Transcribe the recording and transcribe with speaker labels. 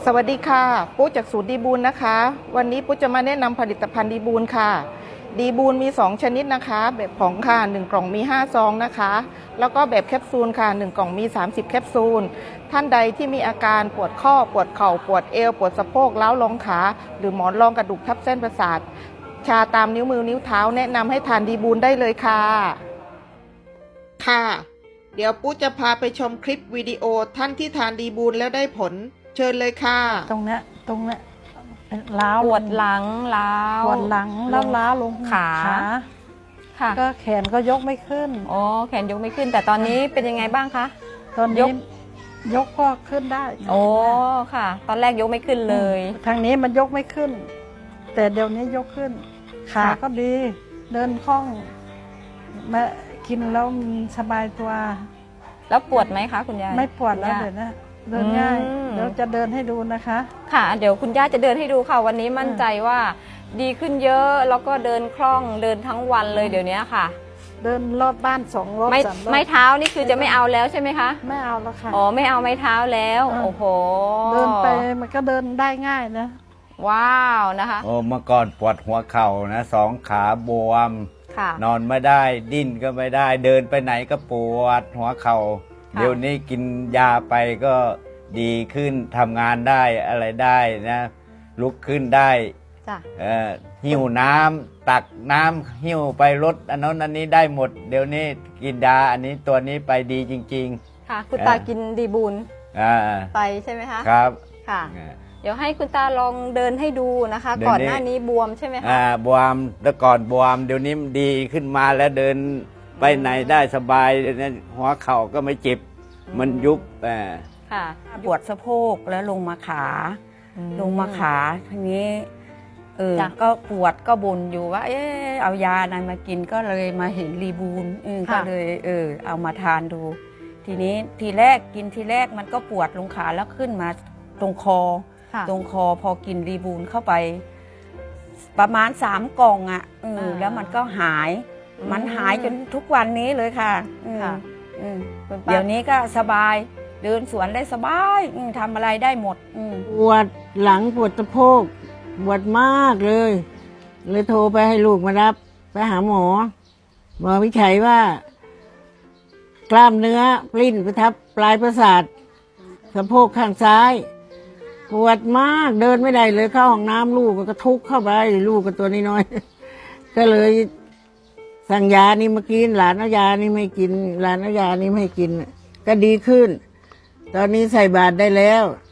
Speaker 1: สวัสดีค่ะปุ๊จากสูตรดีบูลนะคะวันนี้ปุ๊จะมาแนะนำผลิตภัณฑ์ดีบูลค่ะดีบูลมี2ชนิดนะคะแบบผงค่ะ1กล่องมี5ซองนะคะแล้วก็แบบแคปซูลค่ะ1กล่องมี30แคปซูลท่านใดที่มีอาการปวดข้อปวดเข่าปวดเอวปวดสะโพกล้าวลงขาหรือหมอนรองกระดูกทับเส้นประสาทชาตามนิ้วมือนิ้วเท้าแนะนำให้ทานดีบูลได้เลยค่ะเดี๋ยวปุ๊จะพาไปชมคลิปวิดีโอท่านที่ทานดีบูลแล้วได้ผลเชิญเลยค่ะ
Speaker 2: ตรงเนี้ยล้าว
Speaker 3: ปวดหลังล้าว
Speaker 2: ปวดหลังแล้วล้าวลง
Speaker 3: ขาค่ะ
Speaker 2: ก็แขนก็ยกไม่ขึ้น
Speaker 3: อ๋อแขนยกไม่ขึ้น แต่ตอนนี้เป็นยังไงบ้างคะ
Speaker 2: ตอนนี้ยกก็ขึ้นได้
Speaker 3: โอ้ค่ะ ตอนแรกยกไม่ขึ้นเลย
Speaker 2: ทางนี้มันยกไม่ขึ้น แต่เดี๋ยวนี้ยกขึ้นขาก็ดีเดินคล่องมากินแล้วสบายตัว
Speaker 3: แล้วปวดไหมคะคุณยาย
Speaker 2: ไม่ปวดแล้วเดี๋ยวนะเดินง่ายเดี๋ยวจะเดินให้ดูนะคะ
Speaker 3: ค่ะเดี๋ยวคุณย่าจะเดินให้ดูค่ะวันนี้มั่นใจว่าดีขึ้นเยอะแล้วก็เดินคล่องเดินทั้งวันเลยเดี๋ยวนี้ค่ะ
Speaker 2: เดินรอบบ้าน2 รอบ 3 รอบ
Speaker 3: ไม้เท้านี่คือจะไม่เอาแล้วใช่ไหมคะ
Speaker 2: ไม่เอาแล้วค่ะ
Speaker 3: อ๋อไม่เอาไม้เท้าแล้วโอ้โห
Speaker 2: เดินไปมันก็เดินได้ง่ายนะ
Speaker 3: ว้าวนะคะ
Speaker 4: โอ้เมื่อก่อนปวดหัวเข่านะ2 ขาบวมนอนไม่ได้ดิ้นก็ไม่ได้เดินไปไหนก็ปวดหัวเข่าเดี๋ยวนี้กินยาไปก็ดีขึ้นทำงานได้อะไรได้นะลุกขึ้นได้หิ้วน้ำตักน้ำหิ้วไปรถอันนั้นอันนี้ได้หมดเดี๋ยวนี้กินยาอันนี้ตัวนี้ไปดีจริง
Speaker 3: ๆค่ะคุณตากินดีบูลไปใช่ไหมคะ
Speaker 4: ครับ
Speaker 3: ค่ะเดี๋ยวให้คุณตาลองเดินให้ดูนะคะก่อนหน้านี้บวมใช่ไหมคะ
Speaker 4: บวมแต่ก่อนบวมเดี๋ยวนี้ดีขึ้นมาแล้วเดินไปไหนได้สบายหัวเข่าก็ไม่เจ็บมันยุบ
Speaker 5: ปวดสะโพกแล้วลงมาขาทีนี้ก็ปวดก็บ่นอยู่ว่าเอายาอะไรมากินก็เลยมาเห็นรีบูลก็เลยเอามาทานดูทีนี้ทีแรกมันก็ปวดลงขาแล้วขึ้นมาตรงคอพอกินรีบูลเข้าไปประมาณ3 กล่องแล้วมันก็หายจนทุกวันนี้เลยค่ะเดี๋ยวนี้ก็สบายเดินสวนได้สบายทำอะไรได้หมด
Speaker 2: ปวดหลังปวดสะโพกปวดมากเลยโทรไปให้ลูกมารับไปหาหมอวิจัยว่ากล้ามเนื้อปลิ้นไปทับปลายประสาทสะโพกข้างซ้ายปวดมากเดินไม่ได้เลยเข้าห้องน้ำลูกก็ทุกข์เข้าไปลูกก็ตัวน้อยๆก็เลยสั่งยานี่มากินหลานเอายานี่ไม่กินหลานเอายานี่ไม่กินก็ดีขึ้นตอนนี้ใส่บาตรได้แล้ว